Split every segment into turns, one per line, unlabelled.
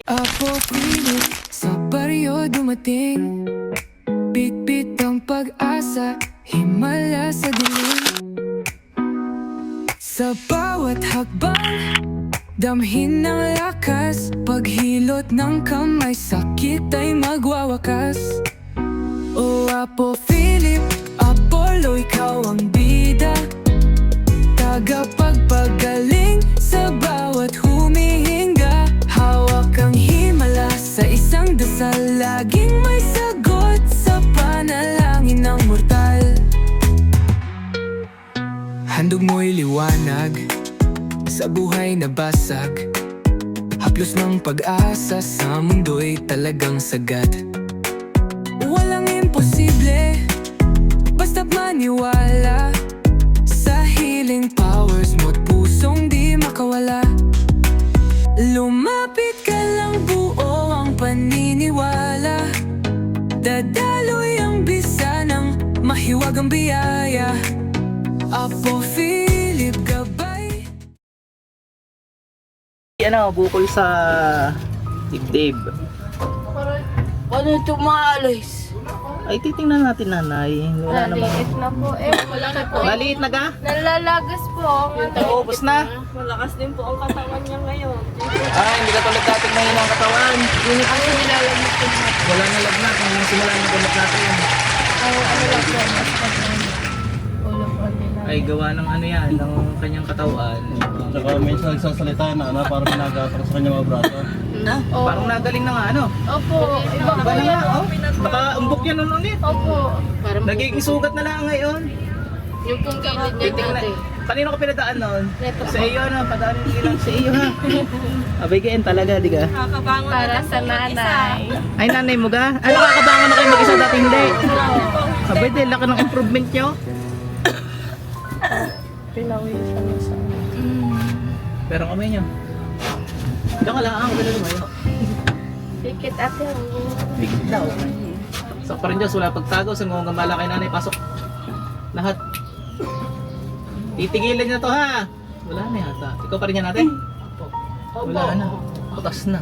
Apo Philip, sa baryo dumating. Bit-bit ang pag-asa, himala sa dilim. Sa bawat hakbang, damhin ng lakas. Paghilot ng kamay, sakit ay magwawakas. O Apo Philip, Apollo, ikaw ang bida, tagapagpagaling sa bawat humihinga. Hawak ang himala sa isang dasal, laging may sagot sa panalangin ng mortal. Handog mo'y liwanag sa buhay na basag, haplos ng pag-asa sa mundo'y talagang sagat. Walang imposible, basta't maniwala sa healing powers mo't pusong di makawala. Lumapit ka lang, buo ang paniniwala, dadaloy ang bisa ng mahiwagang biyaya. Apo Philip, gabay.
Ano, bukol sa dibdib.
Ano ito maalis?
Ay, titingnan natin, nanay. Wala naman.
Maliit na po eh. Malaki po.
Maliit na ga?
Nalalagas po.
Naubos na.
Malakas din po ang katawan niya ngayon.
Ah, hindi ka tulad dating mahina ang katawan.
Yun ang nilalagay ko na.
Wala na lagnat nung simula ng tulad natin.
Ano lang po. Mas ulo po nila.
Ay, gawa ng ano yan, ng kanyang katawan.
Tsaka minsan nagsasalita na ano, parang ginagatak sa kanya mga braso.
Na?
Parang nagaling na nga, ano?
Opo. Iba
Iba na nga, oh. Baka umbok yan nun ulit.
Opo. Parang
Nagiging sugat na lang ngayon.
yung pong gilid niya
Titingnan.
dati.
Kanino ka pinadaan nun?
Neto.
Sa iyo na, padaanin ko lang sa iyo ha. Abay kain talaga, di ka?
Para sa nanay.
Ay, nanay mo ga? Ano, kakabangan na kayo mag-isa dati hindi? Abay, di, laki ng improvement nyo.
Pinawisan niya sa
Pero ang kamay nyo. Diyan ka lang, ako na lumayo.
Pikit ate.
Bigit daw. Sa pa rin Diyos, wala pagtago. Sa mga gamala kay nanay, pasok. Lahat. Titigilan niya to ha. Wala na yata. Ikaw pa rin yan natin? Wala na. Putas na.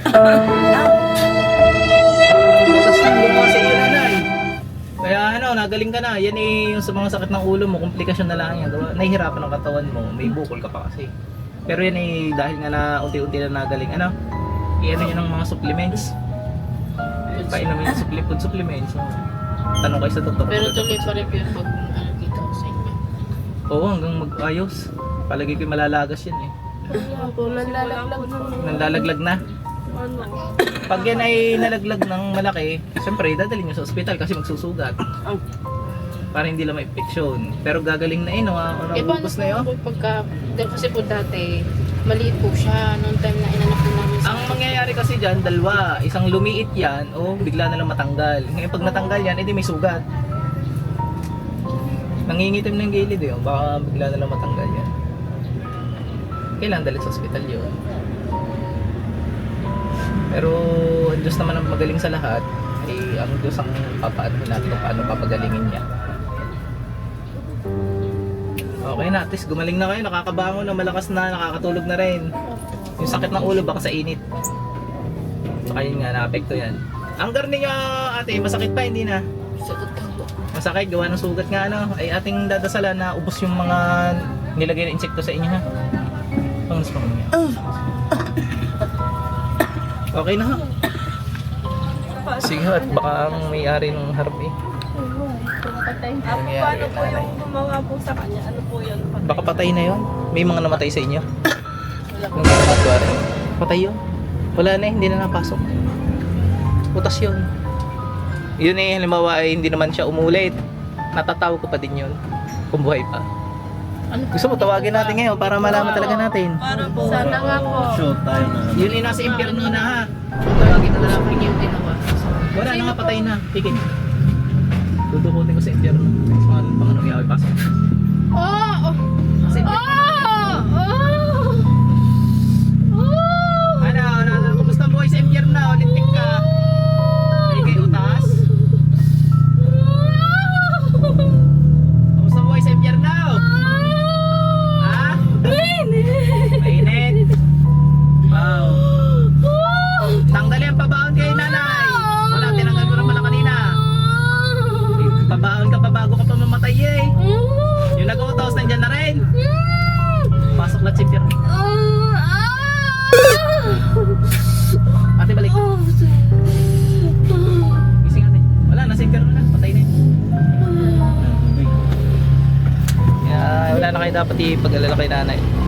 Putas na. Buka sa iyo, nanay. Kaya ano, nagaling ka na. Yan eh, yung sa mga sakit ng ulo mo, komplikasyon na lang yan. Nahihirapan ang katawan mo. May bukol ka pa kasi. Pero yan eh, dahil nga na unti-unti na nagaling. Ano? I-ano yun ng mga supplements. Painom yung food supplements. Tanong kayo sa doktor.
Pero tuloy pa rin yung pag dito sa inyo.
Oo, hanggang mag-ayos. Palagi ko malalagas yan eh.
Opo, nalalaglag na.
Nalalaglag na.
Ano?
Pag yan ay nalaglag ng malaki, siyempre dadalhin nyo sa ospital kasi magsusugat. Para hindi lang ma-infeksyon. Pero gagaling na no, nabubos na yun.
Po pagka, kasi po dati, maliit po siya noong time na inanak po namin sa...
Ang mangyayari kasi dyan, dalawa. Isang lumiit yan o bigla na lang matanggal. Ngayon pag natanggal yan, edi may sugat. Nangingitim na yung gilid eh. Baka bigla na lang matanggal yan. Kailangan dalhin sa ospital yun. Pero ang Diyos naman ang magaling sa lahat. Eh, ang Diyos ang papaano natin kung paano papagalingin niya. Okay na, at least gumaling na kayo, nakakabangon na, malakas na, nakakatulog na rin. Yung sakit ng ulo baka sa init. Saka yun nga, naapekto yan. Ang garni niya ate, masakit pa, hindi na.
Sagot ka po.
Masakit, gawa ng sugat nga ano. Ay ating dadasalan na ubos yung mga nilagay na insekto sa inyo ha. Pangas pa mo niya. Okay na ha. Sige at baka ang may-ari ng harap eh.
Ano
Nangyayari
po
nanay.
yung gumawa po sa kanya? Ano po yun?
Baka patay na yon. May mga namatay sa inyo. Nung ginagawa. Patay yun. Wala na, hindi na napasok. Putas yun. Yun eh, halimbawa ay hindi naman siya umulit. Natatawa ko pa din yun. Kung buhay pa.
Ano po?
Gusto mo tawagin natin ngayon para malaman talaga natin.
Para po. Sana nga po.
Shoot tayo na.
Yun eh, nasa impyerno na ha. Tawagin na lang.
Yung ginawa.
Wala na nga, patay na. Tigil. Dudukutin ko sa impyerno. Sa mga Panginoong Yahweh, pasok.
Oh!
Sa impyerno. Ano, kumusta ang buhay sa impyerno? Lintik ka. May kayo utas? Kumusta ang buhay sa impyerno? Ha? Mainit. Wow. dapat ipag-alala kay nanay.